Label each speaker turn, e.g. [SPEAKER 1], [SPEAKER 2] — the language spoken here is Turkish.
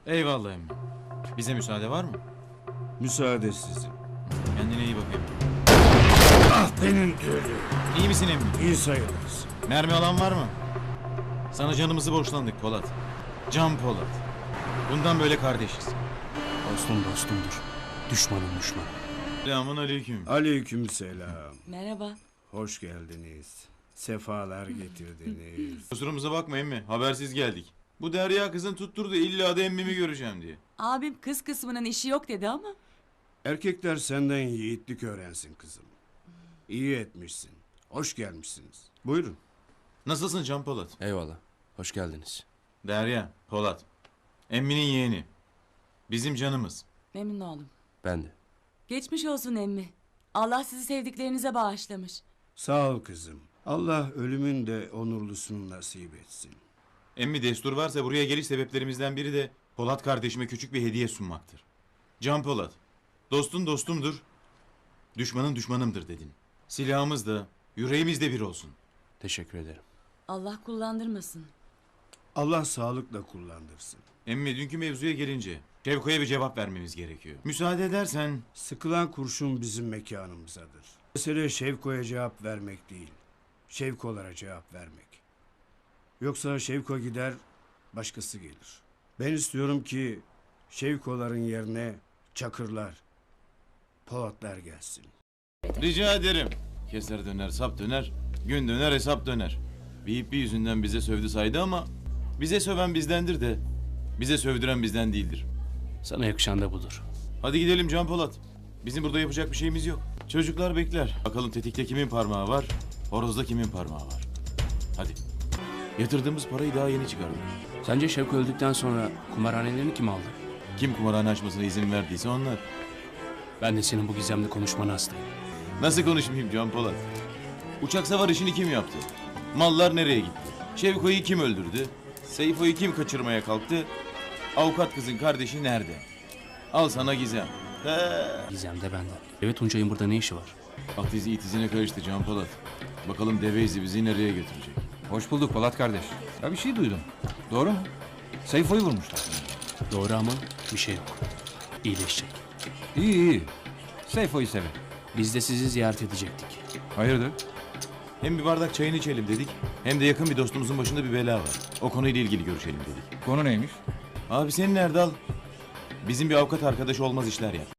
[SPEAKER 1] Eyvallah emmi. Bize müsaade var mı?
[SPEAKER 2] Müsaade sizin.
[SPEAKER 1] Kendine iyi bakayım.
[SPEAKER 2] Ah benim gülüm.
[SPEAKER 1] İyi misin emmi?
[SPEAKER 2] İyi sayılırız.
[SPEAKER 1] Mermi alan var mı? Sana canımızı borçlandık Polat. Can Polat. Bundan böyle kardeşiz.
[SPEAKER 3] Dostum dostumdur. Düşmanım düşman.
[SPEAKER 1] Selamun aleyküm.
[SPEAKER 2] Aleykümselam.
[SPEAKER 4] Merhaba.
[SPEAKER 2] Hoş geldiniz. Sefalar getirdiniz.
[SPEAKER 1] Kusurumuza bakma emmi. Habersiz geldik. Bu Derya kızın tutturdu illa da emmimi göreceğim diye.
[SPEAKER 4] Abim kız kısmının işi yok dedi ama.
[SPEAKER 2] Erkekler senden yiğitlik öğrensin kızım. İyi etmişsin. Hoş gelmişsiniz. Buyurun.
[SPEAKER 1] Nasılsın Can Polat?
[SPEAKER 3] Eyvallah. Hoş geldiniz.
[SPEAKER 1] Derya, Polat. Emminin yeğeni. Bizim canımız.
[SPEAKER 4] Memnun oldum.
[SPEAKER 3] Ben de.
[SPEAKER 4] Geçmiş olsun emmi. Allah sizi sevdiklerinize bağışlamış.
[SPEAKER 2] Sağ ol kızım. Allah ölümün de onurlusunu nasip etsin.
[SPEAKER 1] Emmi destur varsa buraya geliş sebeplerimizden biri de Polat kardeşime küçük bir hediye sunmaktır. Can Polat, dostun dostumdur, düşmanın düşmanımdır dedin. Silahımız da, yüreğimiz de bir olsun.
[SPEAKER 3] Teşekkür ederim.
[SPEAKER 4] Allah kullandırmasın.
[SPEAKER 2] Allah sağlıkla kullandırsın.
[SPEAKER 1] Emmi dünkü mevzuya gelince Şevko'ya bir cevap vermemiz gerekiyor. Müsaade edersen
[SPEAKER 2] Sıkılan kurşun bizim mekanımızadır. Mesele Şevko'ya cevap vermek değil. Şevko'lara cevap vermek. Yoksa Şevko gider, başkası gelir. Ben istiyorum ki Şevko'ların yerine Çakırlar, Polatlar gelsin.
[SPEAKER 1] rica ederim. Keser döner, sap döner, gün döner, hesap döner. Bir ipli yüzünden bize sövdü saydı ama bize söven bizdendir de bize sövdüren bizden değildir.
[SPEAKER 3] Sana yakışan da budur.
[SPEAKER 1] Hadi gidelim Can Polat. Bizim burada yapacak bir şeyimiz yok. Çocuklar bekler. Bakalım tetikte kimin parmağı var, horozda kimin parmağı var. Hadi. Yatırdığımız parayı daha yeni çıkardık.
[SPEAKER 3] Sence Şevko öldükten sonra kumarhanelerini kim aldı?
[SPEAKER 1] Kim kumarhane açmasına izin verdiyse onlar.
[SPEAKER 3] Ben de senin bu gizemli konuşmana hastayım.
[SPEAKER 1] Nasıl konuşmayayım Can Polat? Uçak savar işini kim yaptı? Mallar nereye gitti? Şevko'yu kim öldürdü? Seyfo'yu kim kaçırmaya kalktı? Avukat kızın kardeşi nerede? Al sana gizem.
[SPEAKER 3] Gizem de benden. Evet Tuncay'ın burada ne işi var?
[SPEAKER 1] At izi it izine karıştı Can Polat. Bakalım deve izi bizi nereye götürecek?
[SPEAKER 5] Hoş bulduk Polat kardeş. Ya bir şey duydum. Doğru mu? Seyfo'yu vurmuşlar.
[SPEAKER 3] Doğru ama bir şey yok. İyileşecek.
[SPEAKER 5] İyi iyi. Seyfo'yu severim.
[SPEAKER 3] Biz de sizi ziyaret edecektik.
[SPEAKER 5] Hayırdır?
[SPEAKER 1] Hem bir bardak çayını içelim dedik, hem de yakın bir dostumuzun başında bir bela var. O konuyla ilgili görüşelim dedik.
[SPEAKER 5] Konu neymiş?
[SPEAKER 1] Abi senin Erdal, bizim bir avukat arkadaş olmaz işler yap.